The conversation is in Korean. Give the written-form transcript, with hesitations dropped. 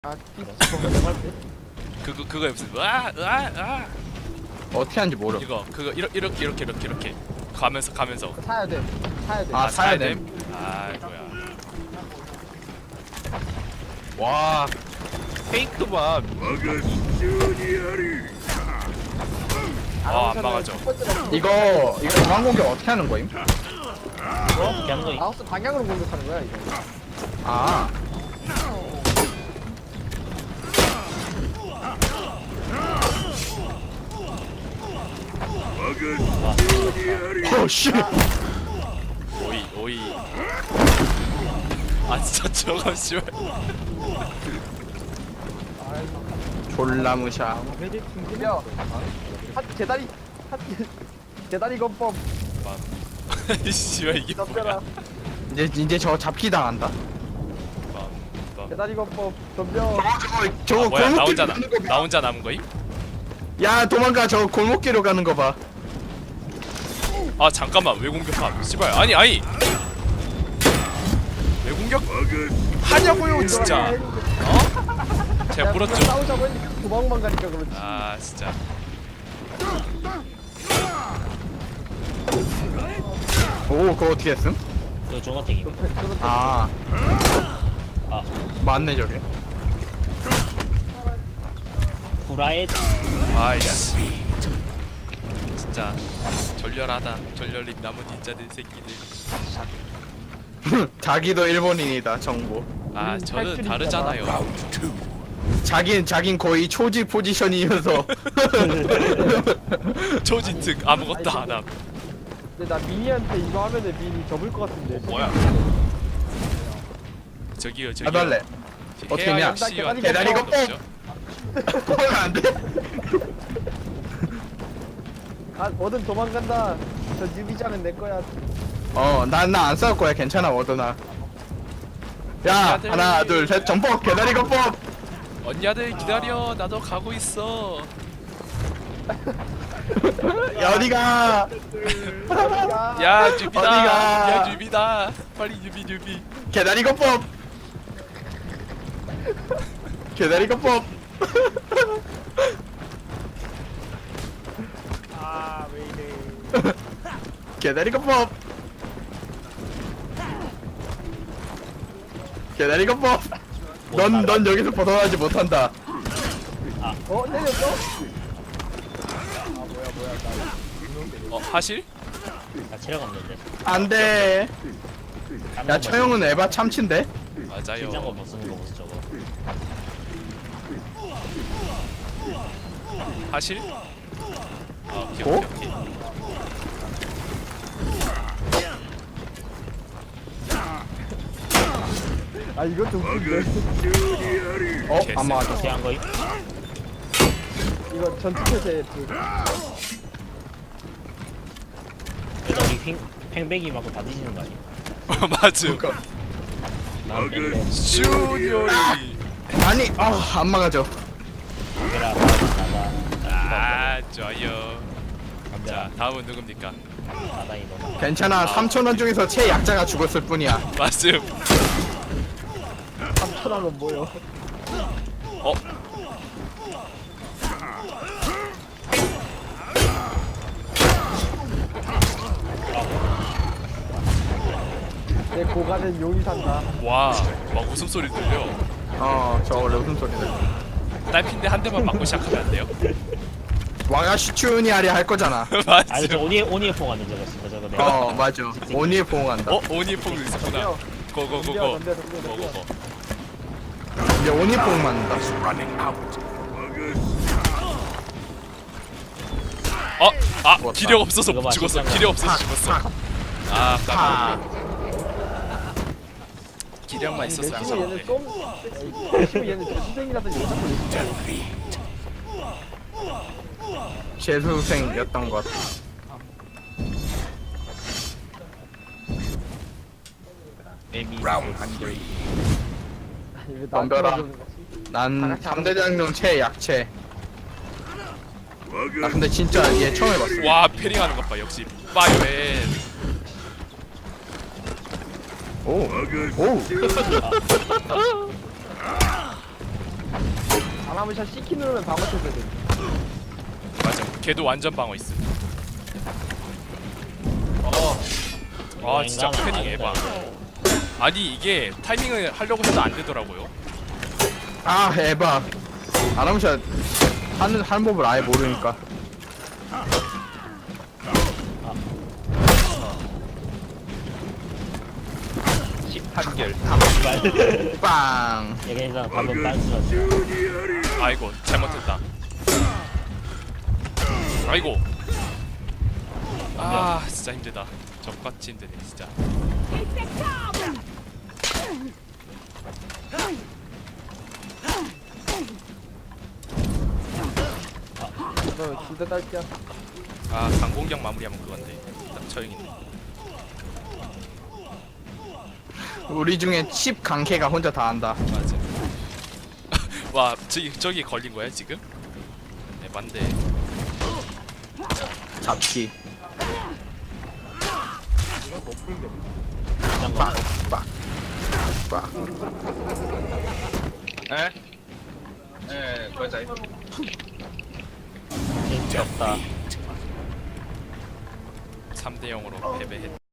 그거 무슨 으아 어떻게 하는지 모르. 이거 그거 이렇게 가면서 사야 돼. 아, 사야 돼. 아 뭐야 와, 페이크 봐. 안 막아줘. 이거 중앙 공격 어떻게 하는 거임? 어떻게 하는 거임? 마우스 방향으로 공격하는 거야 이거. 아, 오 씨. 오이 아 진짜 저거 씨발 졸라 무샤. 야, 대다리 대다리 건법 씨발 이게 뭐야 덤벼라. 이제 저 잡기 당한다. 대다리 건법 덤벼. 저거 뭐야 나 골목길 혼자 가는 거 봐. 나 혼자 남은 거임? 야, 도망가. 저 골목길로 가는 거 봐. 아 잠깐만 왜 공격함 씨발 아니 왜 공격 하냐고요 진짜 제가 물었죠 싸우자고 했는데 도망만 가니까 그렇지. 아 진짜 오, 그거 어떻게 했음? 그 종합택이. 아, 아, 맞네 저게. 후라에 아이씨 진짜 절렬하다 절렬린 나무 닌자들 새끼들 자기도 일본인이다 정보. 아 저는 다르잖아요 자긴 거의 초지 포지션이면서. 초진특 아무것도 안함 근데 나 미니한테 이거 하면은 미니 접을 것 같은데. 뭐야 저기요 나달래. 어떻게 했냐? 대단히 거 뽕! 그러면 안 돼? 아, 뭐든 도망간다. 저 뉴비자는 내 거야. 난 안 싸울 거야. 괜찮아, 워드나. 야, 언니들. 하나, 둘, 셋, 점퍼, 개다리 거법. 언니들 기다려 나도 가고 있어 야, 어디가? 야 뉴비다 어디가? 야 뉴비다 빨리 뉴비 개다리 거법. 개다리 거법. 아, 왜 이래. 개다리 거법. 개다리 거법. 넌 여기서 벗어나지 못한다. 때렸어? 하실? 나 체력 없는데. 안 돼. 야, 처형은 에바 참친데? 긴장거 맞아요 못 쓰는 거 보소 저거. 하실? 오케이 어? 오케이 아, 이것도 웃긴데. 안 맞아. 어떻게 한 거임? 이거 전투표세 그래도 우리 팽백이 맞고 다 뒤지는 거 아니야? 맞음 난 뺑백. 슈디오리 아니, 안 막아줘. 그라 나다. 아 좋아요 자 자, 다음은 누굽니까? 나다이 너나. 괜찮아. 3,000원 중에서 최약자가 죽었을 뿐이야. 맞음 3,000원은 뭐요? 어? 내 고가는 용이 산다. 와 웃음소리 들려 저 원래 웃음소리들. 딸핀데 한 대만 맞고 시작하면 안 돼요? 와가시추니 아리 할 거잖아. 아니 저 맞음 오니에 포가 저거 있어 저거 내가. 맞아. 오니에 포옹한다. 오니폼도 있었구나 고고고고 덤벼. 고고고 이제 오니에 포옹 맞는다. 기력 없어서 이거 봐, 죽었어 진짜. 기력 없어서 죽었어 아 깜짝이야 기력만 있었어 내심은 얘는 항상 좀 내심은 얘는 재수생이라서 여자고 재수생이었던 것 같아. 덤벼라. 난 3대장룡 최약체. 나 근데 진짜 얘 처음 해봤어. 와 패링하는 것봐 역시 파이어맨 오. 아나무샤 C키 누르면 방어 쳐야 돼. 맞아. 걔도 완전 방어 있음. 아 진짜 패닝 에바. 아니 이게 타이밍을 하려고 해도 안 되더라고요. 아 에바. 아나무샤 하는 법을 아예 모르니까. 한결. 빵. 얘네가 방금 빤스였어. 아이고 잘못했다. 아이고. 아 진짜 힘들다. 적같이 힘드네 진짜. 너 진짜 딸기야. 아 강공격 마무리하면 그건데. 딱 처형이네. 우리 중에 10 강캐가 혼자 다 한다. 맞아. 와 저기 걸린 거야 지금? 네 맞네. 잡기. 잠깐. 빡. 에? 맞아. 재미없다. 3대 0으로 패배했.